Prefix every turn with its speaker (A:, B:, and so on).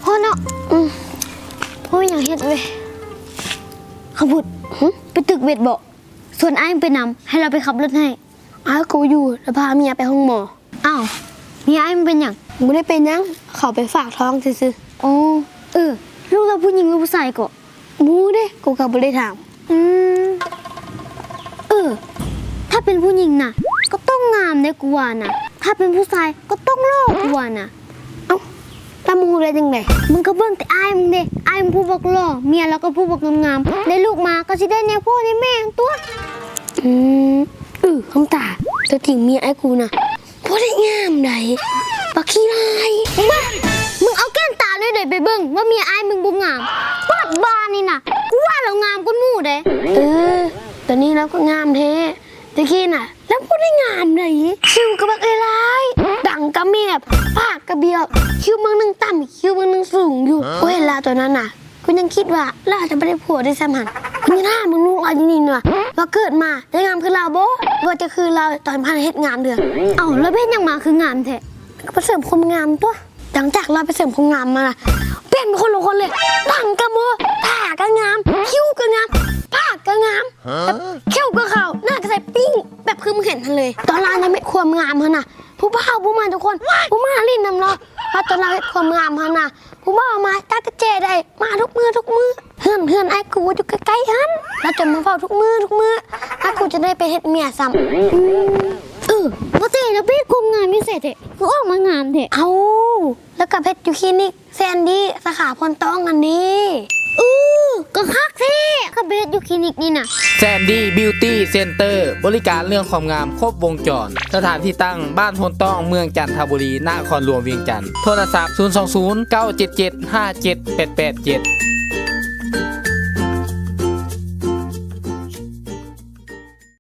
A: อเนาะพ่ออย่างเฮ็ดเว้ยขบุตรไปตึกเวทบอกส่วนไอ้ไปนำให้เราไปขับรถให้อ้าวกูอยู่แล้วพาเมียไปห้องหมออ้าวเมียไอ้มันเป็นอย่างไม่ได้เป็นยังเขาไปฝากท้องซื่อๆอ๋อลูกเราผู้หญิงหรือผู้ชายก็มูเด้กูก็บ่ได้ถามถ้าเป็นผู้หญิงน่ะก็ต้องงามได้กูว่าน่ะถ้าเป็นผู้ชายก็ต้องหล่อกูว่าน่ะเอ้าแล้วมึงรู้ได้จังไดมึงก็เบิ่งแต่อ้ายมึงเด้อ้ายมึงผู้บอกหล่อเมียแล้วก็ผู้บอกงามๆได้ลูกมาก็สิได้แนวพ่อในแม่ตัวคำตาตัวจริงเมียไอ้กูน่ะบ่ได้งามใดบักขี้ลายมึงเอาแก้มตาเลยไปเบิ่งว่าเมียอ้ายมึงบ่งามปาดบานนี่น่ะกูว่าเรางามกว่าหมู่เด้ตอนนี้เราก็งามแท้ตะกี้น่ะแล้วพูดได้งามเลยคิวกระบักลายดังกระเมียบปากกระเบียบคิวเมืองนึงต่ำคิวเมืองนึงสูงอยู่กูเห็นลาตัวนั้นน่ะกูยังคิดว่าเราจะไม่ได้ผัวได้สมันคุณยังหน้ามึงรู้อะไรนี่เนาะว่าเกิดมาได้งามคือเราบ่ว่าจะคือเราตอนพันเฮ็ดงามเดือเอ้าแล้วเบ็ดยังมาคืองามแท้ก็ไปเสริมความงามตัวหลังจากเราไปเสริมความงามมาเปลี่ยนเป็นคนละคนเลยดังกระโมตาก็งามคิ้วก็งามปากก็งามเขี้ยวก็ขาวหน้าก็ใส่ปิ้งแบบคือมึงเห็นทันเลยตอนเรายังไม่ความงามฮะน่ะผู้บ่าวผู้มาทุกคนผู้มาลิ้นนำเราพอตอนเราเห็นความงามฮะน่ะผู้บ่าวมาตากระเจได้มาทุกมือเฮือนไอ้กูอยู่ใกล้ๆฮั่นเราจะมาเฝ้าทุกมือไอ้กูจะได้ไปเฮ็ดเมียซ้ำว่าเจ๊แล้วเพชรความงามนี่เสร็จกูออกมางามเถอะเอาแล้วกับเพชรอยู่คลินิกแซนดี้สาขาพรต้องอันนี้ก็คักเท่กับเพชรอยู่คลินิกนี่น่ะ
B: แซนดี้บิวตี้เซ็นเตอร์บริการเรื่องความงามครบวงจรสถานที่ตั้งบ้านพลต้องเมืองจันทบุรีนครหลวงเวียงจันทร์โทรศัพท์020 977 5788